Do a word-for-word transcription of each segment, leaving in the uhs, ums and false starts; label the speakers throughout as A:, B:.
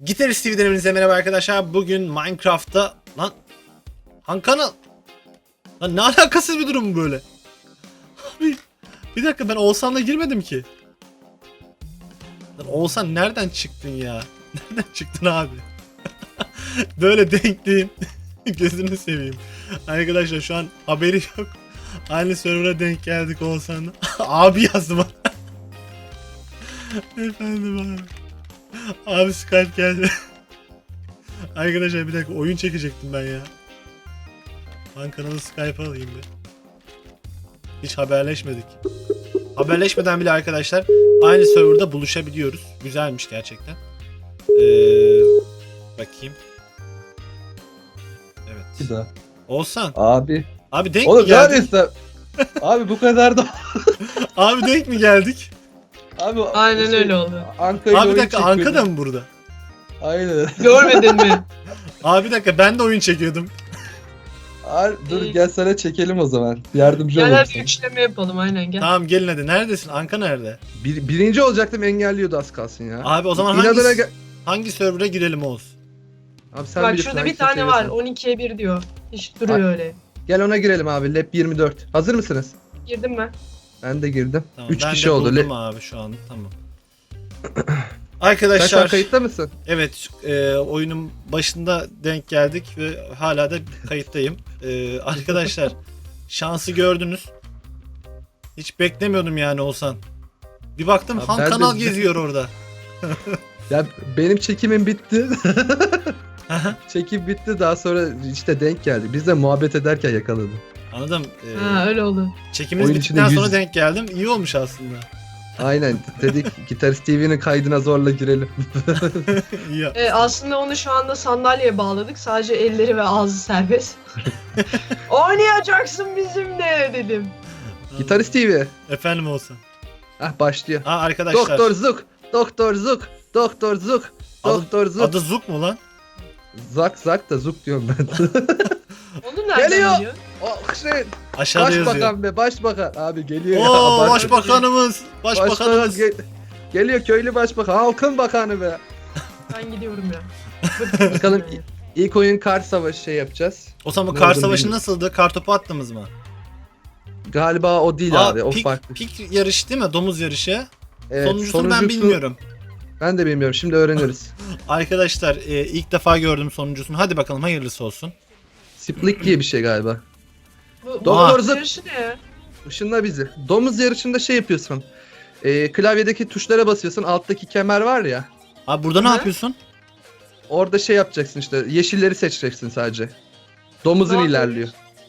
A: Gitarist T V'den hepinize merhaba arkadaşlar. Bugün Minecraft'ta... Lan... Han kanal... Lan ne alakasız bir durum bu böyle? Abi... Bir dakika, ben Oğuzhan'la girmedim ki. Lan Oğuzhan nereden çıktın ya? Nereden çıktın abi? Böyle denkliğin... Gözünü seveyim. Arkadaşlar şu an haberi yok. Aynı server'a denk geldik Oğuzhan'la. Abi yazdı bana. Efendim abi. Abi Skype geldi. Arkadaşlar bir dakika, oyun çekecektim ben ya. Han kanalı Skype alayım bir. Hiç haberleşmedik. Haberleşmeden bile arkadaşlar aynı serverda buluşabiliyoruz. Güzelmiş gerçekten. Ee, bakayım. Evet.
B: Bir daha.
A: Oğuzhan.
B: Abi.
A: Abi denk mi
B: Oğlum
A: geldik?
B: neredeyse. Abi bu kadar da.
A: Abi denk mi geldik?
B: Abi
C: Aynen
B: şey,
C: öyle oldu.
B: Anka'yı
A: Abi bir
B: oyun
A: dakika,
B: çekiyordum.
A: Anka da mı burada?
B: Aynen.
C: Görmedin mi?
A: Abi bir dakika, ben de oyun çekiyordum.
B: Abi, dur
C: İyi.
B: gel sana çekelim o zaman. Yardımcı
C: Gel
B: olurum
C: hadi
B: sana.
C: üçleme yapalım aynen gel.
A: Tamam gelin hadi. Neredesin? Anka nerede?
B: Bir, birinci olacaktım, engelliyordu az kalsın ya.
A: Abi o zaman
B: İnadına
A: hangi,
B: gel.
A: hangi server'a girelim Oğuz?
B: Abi sen
C: Bak
B: bilirsin
C: şurada bir
B: hangisini
C: tane var
B: seviyorsan.
C: on ikiye bir diyor. Hiç duruyor
B: Bak.
C: öyle.
B: Gel ona girelim abi. Lab yirmi dört. Hazır mısınız?
C: Girdim ben.
B: Ben de girdim.
A: Tamam,
B: üç
A: ben
B: kişi
A: de
B: oldu.
A: buldum
B: Le-
A: abi şu an. Tamam.
B: Sen şu an
A: Arkadaşlar,
B: kayıtta mısın?
A: evet, e, oyunun başında denk geldik ve hala da kayıttayım. E, arkadaşlar, şansı gördünüz. Hiç beklemiyordum yani Oğuzhan. Bir baktım
B: Abi
A: Han
B: ben de-
A: kanal geziyor orada.
B: Ya benim çekimim bitti. Çekim bitti, daha sonra işte denk geldi. Biz de muhabbet ederken yakaladım.
A: Anladım. E,
C: Ha öyle oldu.
A: çekiminiz
B: oyun
A: bittikten
B: içinde
A: sonra
B: yüz-
A: denk geldim. İyi olmuş aslında.
B: Aynen dedik Gitarist T V'nin kaydına zorla girelim.
A: İyi ya.
C: Ee, aslında onu şu anda sandalyeye bağladık. Sadece elleri ve ağzı serbest. Oynayacaksın bizimle dedim.
B: Gitarist T V.
A: Efendim Oğuzhan.
B: Ah başlıyor.
A: Aa arkadaşlar.
B: Doktor Zuk, Doktor Zuk, Doktor Zuk,
A: Adı-
B: Doktor Zuk.
A: Adı Zuk mu lan?
B: Zak Zak da Zuk diyorum ben.
C: Onu nereden
B: Geliyor.
C: biliyor?
B: oh şey,
A: Aşağıda yazıyor.
B: başbakan be, başbakan. Abi geliyor ya.
A: Oo,
B: abartı.
A: başbakanımız.
B: Başbakan
A: Başbakanımız.
B: ge- geliyor, köylü başbakan, halkın bakanı be.
C: Ben gidiyorum ya.
B: Bakalım ilk oyun kar savaşı şey yapacağız.
A: O zaman bu
B: Ne
A: kar
B: olduğunu
A: savaşı
B: bilmiyorum.
A: nasıldı? Kar topu attınız mı?
B: Galiba o değil
A: Aa,
B: abi, o
A: pik,
B: farklı.
A: pik yarışı değil mi? Domuz yarışı.
B: Evet,
A: Sonuncusunu ben
B: sonuncusu-
A: bilmiyorum.
B: Ben de bilmiyorum, şimdi öğreniriz.
A: Arkadaşlar e, ilk defa gördüm sonuncusunu. Hadi bakalım hayırlısı olsun.
B: Split diye bir şey galiba.
C: Bu,
B: Doktor
C: bu
B: Zıp.
C: yarışı ne ya?
B: Işınla bizi. Domuz yarışında şey yapıyorsun. Ee, klavyedeki tuşlara basıyorsun. Alttaki kemer var ya.
A: Abi burada ne
C: Hı?
A: yapıyorsun?
B: Orada şey yapacaksın işte. Yeşilleri seçeceksin sadece. Domuzun
C: Ne
B: ilerliyor.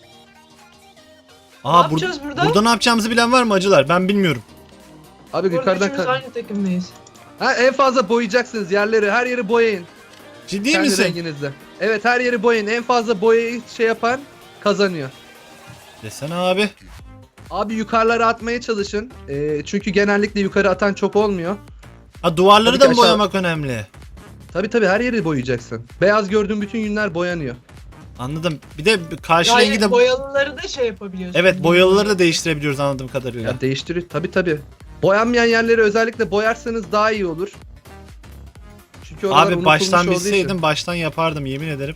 A: Aa,
C: Ne
A: bur-
C: yapacağız burada?
A: Burada ne yapacağımızı bilen var mı acılar? Ben bilmiyorum.
B: Abi
C: Orada
B: yukarıdan
C: üçümüz
B: ka-
C: aynı takımdayız.
B: ha, en fazla boyayacaksınız yerleri. Her yeri boyayın.
A: Ciddi
B: Kendi
A: misin?
B: renginizde. Evet, her yeri boyayın. En fazla boyayı şey yapan kazanıyor.
A: Desene abi.
B: Abi yukarılara atmaya çalışın. Ee, çünkü genellikle yukarı atan çok olmuyor.
A: Ha, duvarları
B: Tabii
A: da
B: ki
A: mı
B: aşağı-
A: boyamak önemli?
B: Tabi tabi her yeri boyayacaksın. Beyaz gördüğün bütün yünler boyanıyor.
A: Anladım. Bir de karşı rengi
C: Hayır
A: de...
C: boyalıları da şey yapabiliyorsun.
A: Evet, boyalıları da değiştirebiliyoruz anladığım kadarıyla.
B: Ya değiştiriyor. Tabi tabi. Boyanmayan yerleri özellikle boyarsanız daha iyi olur. Çünkü oralar
A: Abi
B: unutulmuş
A: baştan
B: olduğu için.
A: bilseydim baştan yapardım yemin ederim.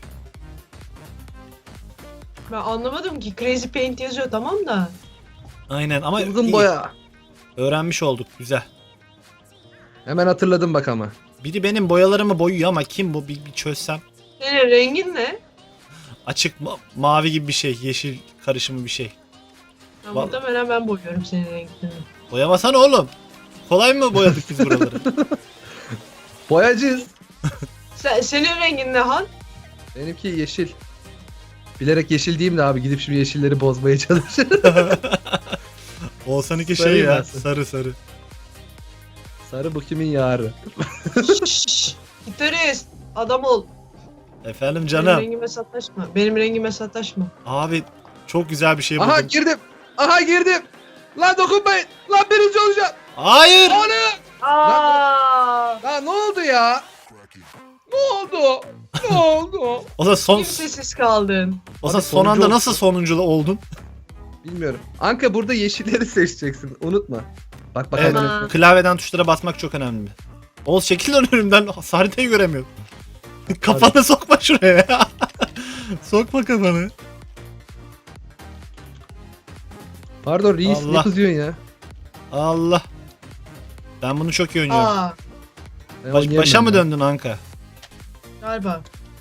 C: Ben anlamadım ki Crazy Paint yazıyor tamam da.
A: Aynen ama
B: Uzun
A: iyi.
B: boya.
A: Öğrenmiş olduk, güzel.
B: Hemen hatırladım bak ama.
A: Biri benim boyalarımı boyuyor ama kim bu, bir, bir çözsem.
C: Senin rengin ne?
A: Açık ma- mavi gibi bir şey, yeşil karışımı bir şey.
C: Ya
A: Vallahi-
C: muhtemelen ben boyuyorum senin rengini.
A: Boyamasana oğlum. Kolay mı boyadık biz buraları?
B: Boyacıyız.
C: Sen, senin rengin ne Han?
B: Benimki yeşil. Bilerek yeşil diyeyim de abi, gidip şimdi yeşilleri bozmaya çalışır.
A: Oğuzhan'ınki şey
B: Sarı
A: ya,
B: versin.
A: sarı sarı.
B: Sarı bu kimin yarı?
C: Şşş, gitarist adam ol.
A: Efendim
C: Benim
A: canım.
C: rengime sataşma. Benim rengime sataşma.
A: Abi çok güzel bir şey buldum.
B: Aha girdim. Aha girdim. Lan dokunmayın. Lan birinci olacağım.
A: Hayır.
B: O ne?
C: Aa!
B: Lan ne oldu ya? Ne oldu? Ne oldu?
A: O zaman son
C: Kimsesiz kaldın.
A: o zaman
B: Abi
A: son anda
B: sonuncu
A: nasıl sonuncu oldun?
B: Bilmiyorum. Anka, burada yeşilleri seçeceksin. Unutma. Bak bak
A: Evet.
B: hemen.
C: Tamam.
A: Klavyeden tuşlara basmak çok önemli. Oğuz çekil lan önümden. Haritayı göremiyorum. Kafanı sokma şuraya ya. Sokma kafanı.
B: Pardon reis
A: Allah.
B: ne kızıyorsun ya?
A: Allah. Ben bunu çok iyi oynuyorum.
C: Aa
B: Ben
A: Baş-
B: oynayamam
A: başa mı
B: ya.
A: döndün Anka?
C: galiba.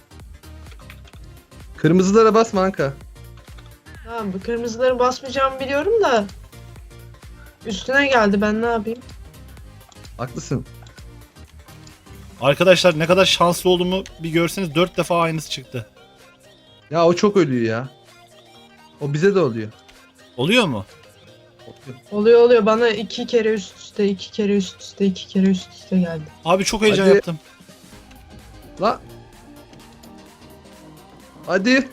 B: Kırmızılara basma Anka.
C: Tamam bu kırmızıları basmayacağımı biliyorum da. Üstüne geldi ben ne yapayım?
B: Haklısın.
A: Arkadaşlar ne kadar şanslı olduğumu bir görseniz dört defa aynısı çıktı.
B: Ya o çok ölüyor ya. O bize de oluyor.
A: Oluyor mu?
C: Oluyor oluyor bana iki kere üst üste iki kere üst üste iki kere üst üste geldi.
A: Abi çok heyecan
B: Hadi.
A: yaptım.
B: La. Hadi.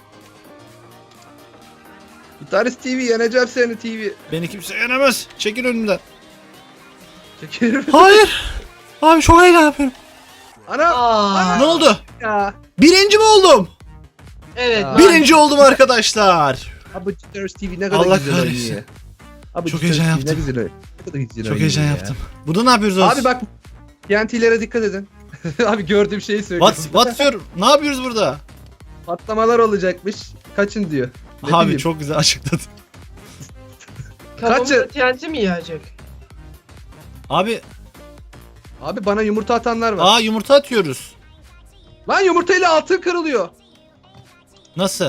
B: Gitarist T V yeneceğim seni T V.
A: Beni kimse yenemez. Çekil önümden.
B: Çekerim.
A: Hayır. Abi çok heyecan yapıyorum.
B: Ana.
C: Aa,
A: Ne oldu?
B: Ya.
A: Birinci mi oldum?
C: evet.
B: Ya.
C: maalesef.
A: Birinci oldum arkadaşlar.
B: Abi Gitarist T V ne kadar
A: Allah
B: güzel
A: kahretsin.
B: oynuyor. Abi
A: Çok
B: Gitarist
A: heyecan
B: T V Ne
A: yaptım.
B: güzel oynuyor. Ne kadar güzel
A: Çok
B: oynuyor
A: heyecan
B: ya.
A: yaptım. Burada ne yapıyoruz Oğuz?
B: Abi bak T N T'lere dikkat edin. Abi gördüğüm şeyi söylüyorum.
A: What's, what's your... Ne yapıyoruz burada?
B: Patlamalar olacakmış. Kaçın diyor. Ne
A: Abi
B: bileyim.
A: çok güzel açıkladın.
C: Kafamıza
B: Kaçı-
C: T N T mi yağacak?
A: Abi
B: Abi bana yumurta atanlar var.
A: aa yumurta atıyoruz.
B: Lan yumurtayla altın kırılıyor.
A: Nasıl?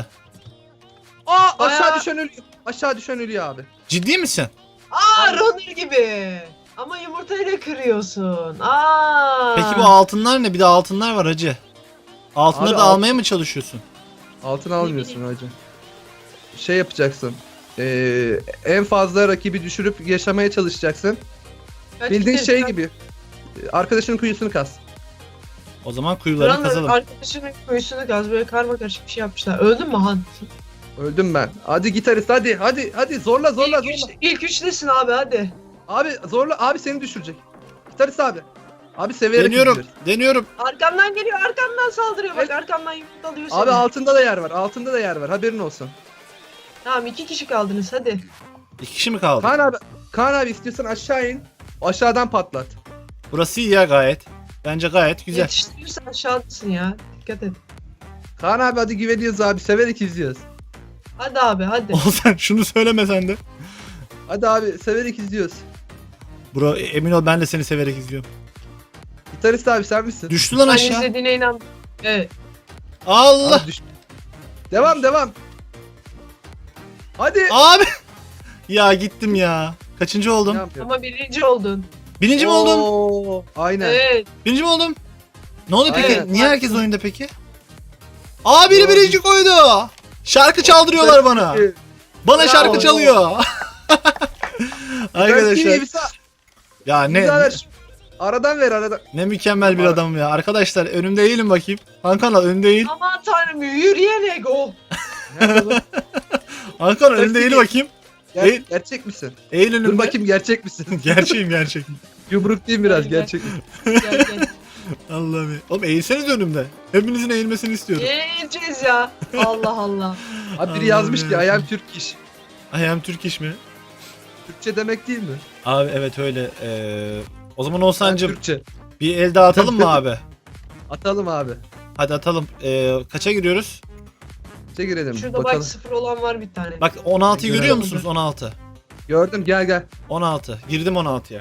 B: Aa aşağı
C: Bayağı-
B: düşen ölüyor. Aşağı düşen ölüyor abi.
A: Ciddi misin?
C: Aa runner gibi. Ama yumurtayla kırıyorsun. Aa.
A: Peki bu altınlar ne? Bir de altınlar var hacı. Altınları
B: Abi
A: da
B: alt-
A: almaya mı çalışıyorsun?
B: Altın almıyorsun hacı. Şey yapacaksın. Ee, en fazla rakibi düşürüp yaşamaya çalışacaksın.
C: Kaç
B: Bildiğin
C: kere-
B: şey gibi. Arkadaşının kuyusunu kaz.
A: O zaman kuyuları
C: Runner
A: kazalım.
C: arkadaşının kuyusunu gaz böyle karma karışık bir şey yapmışlar. Öldün mü Han?
B: Öldüm ben. Hadi gitarist hadi hadi hadi zorla zorla
C: ilk,
B: zorla.
C: üç, ilk üçtesin abi hadi.
B: Abi zorla abi seni düşürecek. Gitarist abi. Abi severek
A: Deniyorum.
B: izliyoruz.
A: Deniyorum.
C: Arkamdan geliyor arkamdan saldırıyor bak arkamdan yumruk alıyor seni.
B: Abi altında da yer var. Altında da yer var. Haberin olsun.
C: Tamam iki kişi kaldınız hadi.
A: İki kişi mi kaldı?
B: Kaan abi, Kaan abi istiyorsan aşağı in. Aşağıdan patlat.
A: Burası iyi ya gayet. Bence gayet güzel.
C: Yetiştirirsen aşağıdasın ya. Dikkat et.
B: Kaan abi hadi güveniyoruz abi. Severek izliyoruz.
C: Hadi abi hadi.
A: Olsan şunu söylemesen de.
B: Hadi abi severek izliyoruz.
A: Bro emin ol ben de seni severek izliyorum.
B: Gitarist abi sen misin?
A: Düştü lan
C: Ben
A: aşağı.
C: izlediğine inan. Evet.
A: Allah.
B: Abi düş. Devam devam. Hadi.
A: Abi. Ya gittim ya. Kaçıncı
B: Ne
A: oldum?
B: yapıyor?
C: Ama birinci oldun.
A: Birinci mi oldum?
B: Oo, aynen.
C: Evet.
A: Birinci mi oldum? Ne oldu peki?
C: Evet.
A: Niye herkes oyunda peki? Aa biri
B: Doğru.
A: birinci koydu. Şarkı çaldırıyorlar bana. Bana
B: Bravo.
A: şarkı çalıyor. Arkadaşlar.
B: Arkadaşlar.
A: Ya ne
B: Aradan ver aradan.
A: ne mükemmel bir
B: Ara-
A: adamım ya. Arkadaşlar önümde eğilin bakayım. Hakan al önümde eğil.
C: Aman tanrım yürüyen ego.
B: Nerede bu?
A: Hakan önümde eğil bakayım.
B: Ger-
A: Eğil.
B: gerçek misin?
A: Eğil önümde.
B: Dur bakayım gerçek misin?
A: Gerçeğim gerçek.
B: Yumruk değil biraz
C: Gel, gel.
B: gerçek.
C: Gel gel.
A: Allah'ım. ya. Oğlum eğilseniz önümde. Hepinizin eğilmesini istiyorum.
C: Yiyeceğiz ya. Allah Allah.
B: Abi biri
A: Allah'ım
B: yazmış ki
A: ya.
B: I am Türk iş.
A: I am Türk iş mi?
B: Türkçe demek değil mi?
A: Abi evet öyle. Ee, o zaman
B: Ben
A: Oğuzhan'cım
B: Türkçe.
A: bir el daha atalım mı abi?
B: Atalım abi.
A: Hadi atalım. Ee, kaça giriyoruz?
B: Türkçe girelim.
C: Şurada
B: bakalım.
C: bak sıfır olan var bir tane.
A: Bak on altıyı
B: Görelim.
A: görüyor musunuz? on altı.
B: Gördüm gel gel.
A: on altı. Girdim on altıya.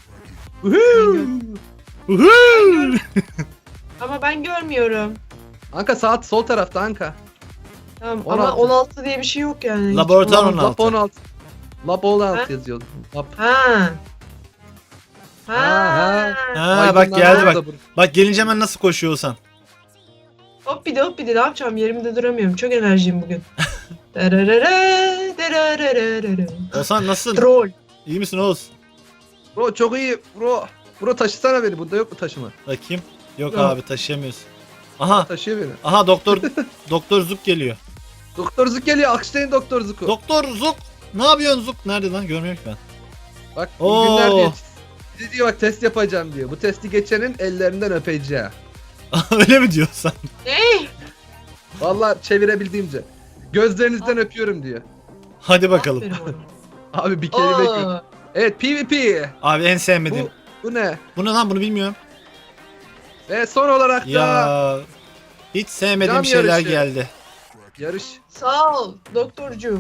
B: Uhu!
C: Ama ben görmüyorum.
B: Anka saat sol tarafta Anka.
C: Tamam
B: on
C: ama
B: altı.
C: on altı diye bir şey yok yani.
A: Laboratuvar
C: Hiç
A: on
B: Lab
A: altı.
B: on altı. Lab on altı
C: Ha?
B: yazıyor. Lab.
C: Ha. Ha.
B: Ha,
A: Ha bak
B: Aydınlanma
A: geldi bak.
B: da bu.
A: Bak gelince hemen nasıl koşuyor Oğuzhan.
C: Hop bir de hop bir de ne yapacağım yerimde duramıyorum. Çok enerjiyim bugün. Dererere, dererere.
A: Oğuzhan nasılsın?
C: Troll.
A: İyi misin Oğuz?
B: Bro çok iyi bro. Bro taşısana beni. Bunda yok mu taşıma?
A: Bakayım. Yok
C: Yok.
A: abi taşıyamıyoruz. Aha.
B: Taşıyor beni.
A: Aha doktor doktor Zuk geliyor.
B: Doktor Zuk geliyor. Alkışlayın Doktor Zuk'u.
A: Doktor Zuk. Ne yapıyorsun Zuk? Nerede lan? Görmüyorum ki ben.
B: Bak
A: Oo.
B: iyi günler diyor. Size diyor bak test yapacağım diyor. Bu testi geçenin ellerinden öpeceğim.
A: Öyle mi diyorsan?
C: Ne?
B: Vallahi çevirebildiğimce. Gözlerinizden öpüyorum diyor.
A: Hadi bakalım.
C: Aferin
B: Abi bir
C: oğlum.
B: kelime
C: Aa,
B: yok. Evet PvP.
A: Abi en sevmediğim.
B: Bu, bu ne?
A: Bu ne lan bunu bilmiyorum.
B: Ve son olarak da
A: Ya Hiç sevmediğim
B: Cam
A: şeyler
B: yarışı.
A: geldi.
B: Yarış.
C: Sağ ol doktorcuğum.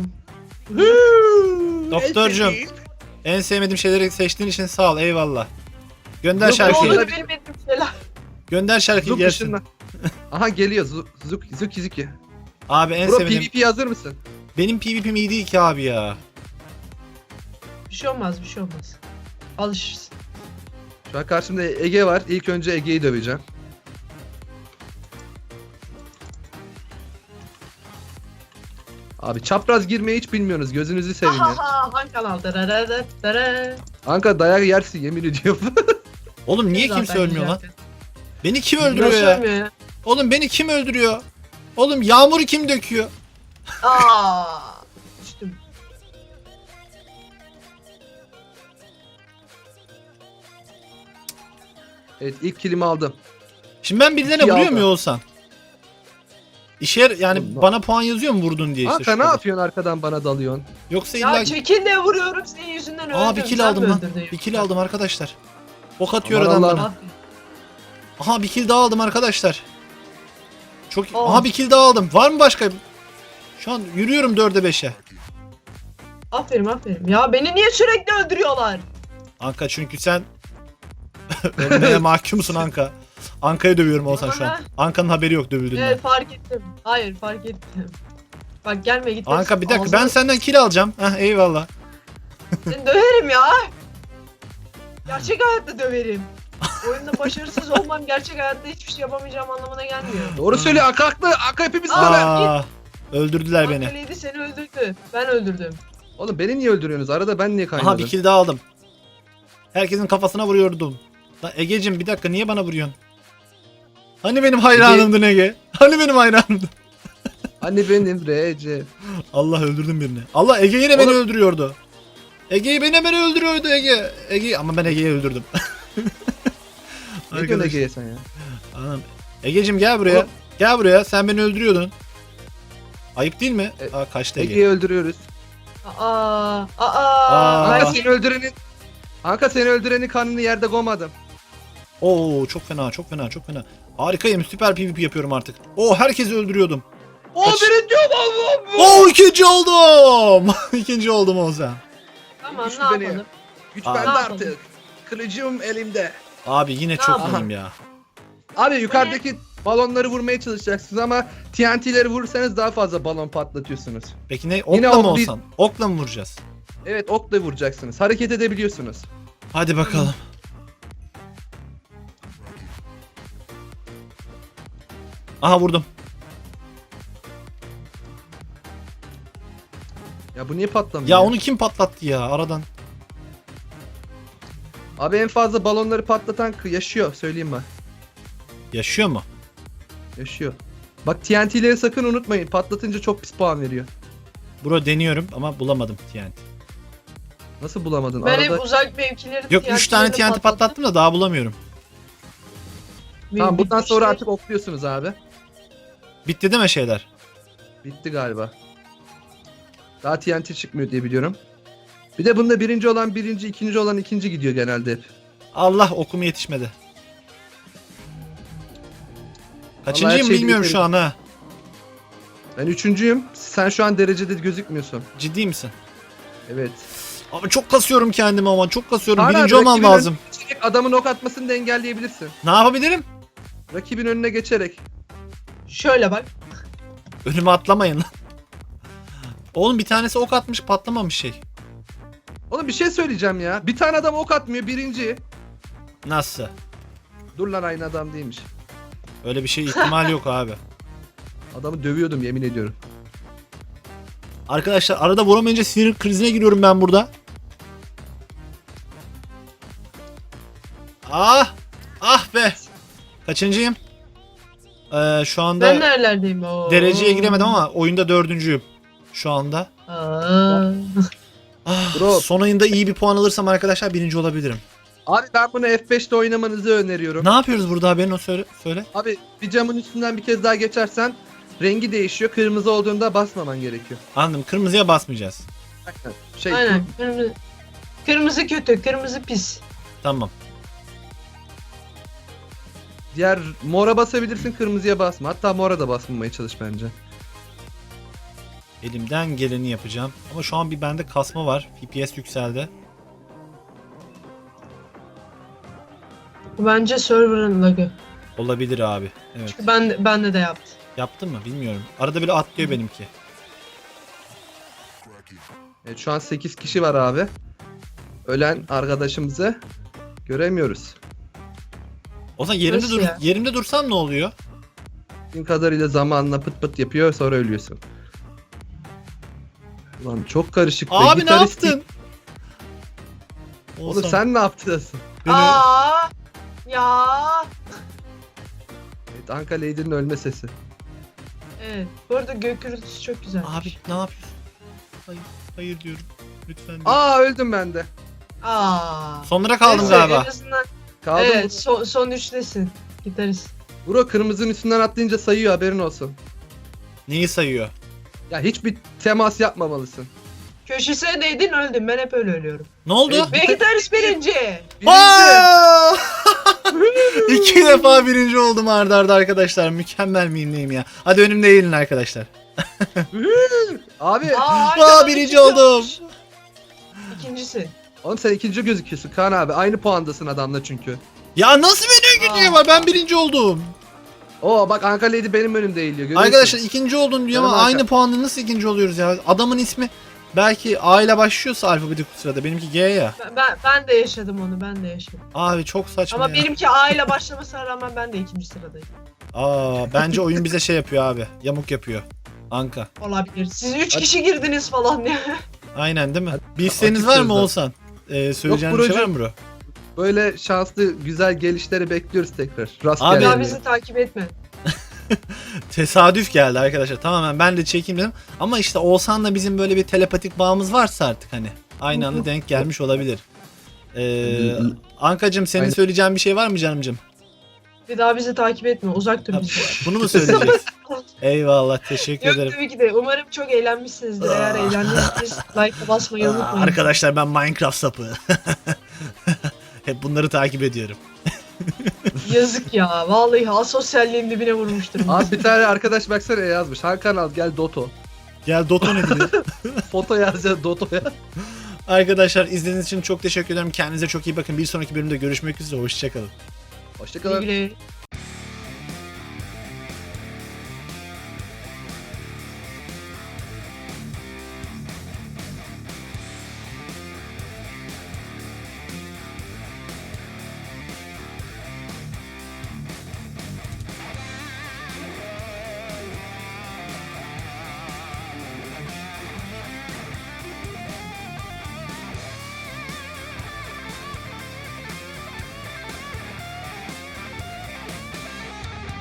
A: Doktorcum, en sevmediğim şeyleri seçtiğin için sağ ol. Eyvallah. Gönder
B: Yok,
C: Ne
A: şarkıyı.
B: Şarkıyı.
C: olur bilmediğim şeyler.
A: Gönder şarkıyı
B: Zuk
A: gelsin.
B: ışınla. Aha geliyor. Zuk Zuk Zuki Zuki.
A: Abi en
B: Bro
A: sevdiğim.
B: PvP hazır mısın?
A: Benim PvP'm iyi değil ki abi ya.
C: Bir şey olmaz bir şey olmaz. Alışırsın.
B: Şu an karşımda Ege var. İlk önce Ege'yi döveceğim. Abi çapraz girmeyi hiç bilmiyorsunuz. Gözünüzü seveyim ya.
C: Ahaha hangi kanal? Dararara, darara.
B: Anka dayak yersin yemin ediyorum.
A: Oğlum niye
C: Zaten
A: kimse ölmüyor lan?
C: zaten.
A: Beni kim öldürüyor
C: Nasıl
A: ya?
C: ölmüyor ya?
A: Oğlum beni kim öldürüyor? Oğlum yağmuru kim döküyor?
C: Aa, düştüm.
B: Evet ilk kilimi aldım.
A: Şimdi ben birilerine
B: İki
A: vuruyor
B: aldı.
A: mu olsan? İşe yar- yani
B: Oğlum,
A: bana puan yazıyor mu vurdun diye işte.
B: Anka ne
A: şurada.
B: yapıyorsun arkadan bana dalıyorsun?
A: Yoksa
C: Ya
A: illa...
C: çekil de vuruyorum senin yüzünden öldüm.
A: Aa bir kill
C: Sen
A: aldım
C: mi
A: lan.
C: öldürdün
A: Bir
C: yoksa?
A: kill aldım arkadaşlar. Ok atıyor
B: Aman
A: adam
B: Allah'ım.
A: bana.
C: Aferin.
A: Aha bir kill daha aldım arkadaşlar. Çok
C: Aa.
A: Aha bir kill daha aldım. Var mı başka? Şu an yürüyorum dörde beşe.
C: Aferin aferin. Ya beni niye sürekli öldürüyorlar?
A: Anka çünkü sen ölmeye mahkumsun Anka. Anka'yı dövüyorum olsan şu an.
C: Aha.
A: Anka'nın haberi yok dövüldüğünden.
C: Evet fark ettim. Hayır fark ettim. Bak gelme git.
A: Anka bir dakika
C: Ağzına-
A: ben senden kill alacağım. Heh eyvallah.
C: Seni döverim ya. Gerçek hayatta döverim. Oyunda başarısız olmam gerçek hayatta hiçbir şey yapamayacağım anlamına gelmiyor.
B: Doğru söylüyor Anka haklı. Anka hepimiz
C: Aa.
B: böyle.
A: Aa, öldürdüler beni.
C: Ankara'ydı seni öldürdü. Ben öldürdüm.
B: Oğlum beni niye öldürüyorsunuz? Arada ben niye kaynadım?
A: Aha bir kill daha aldım. Herkesin kafasına vuruyordum. Lan Ege'cim bir dakika niye bana vuruyorsun? Hani benim hayranımdın Ege? Hani benim hayranımdın?
B: Hani benim Recep.
A: Allah öldürdüm birini. Allah Ege yine beni
B: Oğlum-
A: öldürüyordu. Ege'yi beni beni öldürüyordu Ege. Ege ama ben Ege'yi öldürdüm.
B: Ne diyorsun Ege'ye sen ya?
A: Anam. Ege'cim gel buraya.
B: Oğlum-
A: Gel buraya. Sen beni öldürüyordun. Ayıp değil mi?
B: E-
A: Aa kaçtı Ege.
B: Ege'yi öldürüyoruz.
C: Aa, aa,
A: Aa.
C: ben
B: Anka seni öldürenin... Anka seni öldürenin kanını yerde koymadım.
A: Oo çok fena çok fena çok fena. Harikayım süper PvP yapıyorum artık. Oo herkesi öldürüyordum.
B: O
A: Kaç-
B: birinci Allah'ım.
A: Oo ikinci oldum. İkinci oldum Ozan.
C: Tamam
B: Güçlü
C: ne
B: beni.
C: yapalım?
B: Güç
A: Aa.
B: bende
C: Ne yapalım?
B: artık. Kılıcım elimde.
A: Abi yine
C: Ne
A: çok
C: yapalım?
A: iyiyim ya.
B: Abi yukarıdaki balonları vurmaya çalışacaksınız ama T N T'leri vurursanız daha fazla balon patlatıyorsunuz.
A: Peki ne?
B: Yine
A: Okla mı
B: ok değil.
A: olsan? Okla mı vuracağız?
B: Evet okla vuracaksınız. Hareket edebiliyorsunuz.
A: Hadi bakalım. Aha vurdum.
B: Ya bu niye patlamıyor?
A: Ya onu kim patlattı ya aradan?
B: Abi en fazla balonları patlatan k- yaşıyor söyleyeyim ben.
A: Yaşıyor mu?
B: Yaşıyor. Bak T N T'leri sakın unutmayın. Patlatınca çok pis puan veriyor.
A: Bro deniyorum ama bulamadım T N T.
B: Nasıl bulamadın?
C: Ben
B: Arada...
C: hep uzak mevkileri
A: Yok üç tane T N T patlattım da daha bulamıyorum.
B: Tamam bundan
C: şey-
B: sonra artık okluyorsunuz abi.
A: Bitti değil mi şeyler?
B: Bitti galiba. Daha T N T çıkmıyor diye biliyorum. Bir de bunda birinci olan birinci, ikinci olan ikinci gidiyor genelde hep.
A: Allah okum yetişmedi. Kaçıncıyım
B: şey
A: bilmiyorum
B: biterim.
A: şu an ha.
B: Ben üçüncüyüm. Sen şu an derecede gözükmüyorsun.
A: Ciddi misin?
B: Evet.
A: Abi çok kasıyorum kendimi ama çok kasıyorum.
B: Hala
A: Birinci olmam
B: rakibinin
A: lazım.
B: önüne geçerek adamın ok atmasını da engelleyebilirsin.
A: Ne yapabilirim?
B: Rakibin önüne geçerek.
C: Şöyle bak.
A: Önüme atlamayın lan. Oğlum bir tanesi ok atmış patlamamış şey.
B: Oğlum bir şey söyleyeceğim ya. Bir tane adam ok atmıyor birinci.
A: Nasıl?
B: Dur lan aynı adam değilmiş.
A: Öyle bir şey ihtimal yok abi.
B: Adamı dövüyordum yemin ediyorum.
A: Arkadaşlar arada vuramayınca sinir krizine giriyorum ben burada. Ah! Ah be! Kaçıncıyım? Ee, şu anda
C: Ben nerelerdeyim? Oo.
A: dereceye giremedim ama oyunda dördüncüyüm. Şu anda.
C: Aa.
A: Ah,
B: Bro.
A: son ayında iyi bir puan alırsam arkadaşlar birinci olabilirim.
B: Abi ben bunu F beşte oynamanızı öneriyorum.
A: Ne yapıyoruz burada haberin o söyle. söyle.
B: Abi bir camın üstünden bir kez daha geçersen rengi değişiyor. Kırmızı olduğunda basmaman gerekiyor.
A: Anladım. Kırmızıya basmayacağız.
B: Aynen. Şey,
C: Aynen. Kırmızı, kırmızı kötü, kırmızı pis.
A: Tamam.
B: Diğer mora basabilirsin, kırmızıya basma. Hatta mora da basmamaya çalış bence.
A: Elimden geleni yapacağım. Ama şu an bir bende kasma var. F P S yükseldi.
C: Bu bence server'ın lagı.
A: Olabilir abi. Evet.
C: Çünkü ben de, bende de yaptı.
A: Yaptın mı bilmiyorum. Arada bile atlıyor benimki.
B: Evet, şu an sekiz kişi var abi. Ölen arkadaşımızı göremiyoruz.
A: O zaman yerimde
C: Nasıl
A: dur
C: ya?
A: yerimde dursam ne oluyor?
B: Bildiğin kadarıyla zamanla pıt pıt yapıyor, sonra ölüyorsun. Ulan çok karışık be.
A: Abi ne
B: Gitaristik-
A: yaptın?
B: Oğlum
A: Oğuzhan,
B: sen ne yaptın?
A: beni-
C: Aa! Ya!
B: Evet, Anka Lady'nin ölme sesi.
C: Evet. Bu arada gök gürültüsü çok güzel.
A: Abi ne yapıyorsun? Hayır, hayır diyorum. Lütfen. diyorum.
B: Aa, öldüm ben de.
C: Aa!
A: Sonlara kaldım
C: Neyse,
A: galiba.
C: En azından,
B: Kaldım.
C: evet, son, son üçtesin. Gitarist.
B: Bro, kırmızının üstünden atlayınca sayıyor, haberin olsun.
A: Neyi sayıyor?
B: Ya hiçbir temas yapmamalısın.
C: Köşesine değdin öldün. Ben hep öyle ölüyorum.
A: Ne oldu?
B: Evet.
C: Ve gitarist birinci.
B: Birinci.
A: Aa! İki defa birinci oldum arda arda arkadaşlar. Mükemmel miyim neyim ya. Hadi önümde eğilin arkadaşlar.
B: Abi,
C: Aa,
A: Aa, birinci oldum.
C: İkincisi.
B: oğlum sen ikinci gözüküyorsun Kaan abi. Aynı puandasın adamla çünkü.
A: Ya nasıl beni gidiyor
C: Aa.
A: var? Ben birinci oldum.
B: Oo bak, Anka Lady benim önümde eğiliyor. Görüyorsun.
A: Arkadaşlar ikinci oldun diyor ama
B: Canım
A: aynı
B: Hakan.
A: puanda nasıl ikinci oluyoruz ya? Adamın ismi belki A ile başlıyorsa alfabetik sırada. Benimki G ya.
C: Ben, ben, ben de yaşadım onu. Ben de yaşadım.
A: Abi çok saçma
C: Ama
A: ya.
C: benimki A ile başlamasına rağmen ben de ikinci sıradayım.
A: Aa, bence oyun bize şey yapıyor abi. Yamuk yapıyor. Anka.
C: Olabilir. Siz üç
B: Hadi.
C: kişi girdiniz falan ya.
A: Aynen değil mi?
B: Hadi,
A: Bir isteğiniz
B: açık
A: var mı
B: sözle.
A: Oğuzhan? Ee, söyleyeceğin bir şey var mı bro?
B: Böyle şanslı, güzel gelişleri bekliyoruz tekrar.
A: Abi-
B: Rastgele.
C: Ya bizi takip etme.
A: Tesadüf geldi arkadaşlar. Tamamen ben de çekeyim dedim. Ama işte Oğuzhan'la bizim böyle bir telepatik bağımız varsa artık hani. Aynı anda denk gelmiş olabilir. Ee, Ankacığım senin
B: Aynen.
A: söyleyeceğin bir şey var mı canımcığım?
C: Bir daha bizi takip etme. Uzak dur
A: Ha,
C: bizden.
A: Bunu mu söyleyeceksin? Eyvallah, teşekkür
C: Yok
A: ederim.
C: tabii ki de. Umarım çok eğlenmişsinizdir. Eğer eğlendiyseniz like basmayı
A: Aa,
C: unutmayın.
A: arkadaşlar ben Minecraft sapı. Hep bunları takip ediyorum.
C: Yazık ya. Vallahi asosyalliğin dibine vurmuştur.
B: Abi bir tane arkadaş baksana yazmış. Hakan al gel Doto.
A: Gel Dota ne diyor?
B: Foto yazacağız Doto'ya.
A: Arkadaşlar izlediğiniz için çok teşekkür ederim. Kendinize çok iyi bakın. Bir sonraki bölümde görüşmek üzere. Hoşçakalın.
B: Hoşçakalın.
C: Güle güle.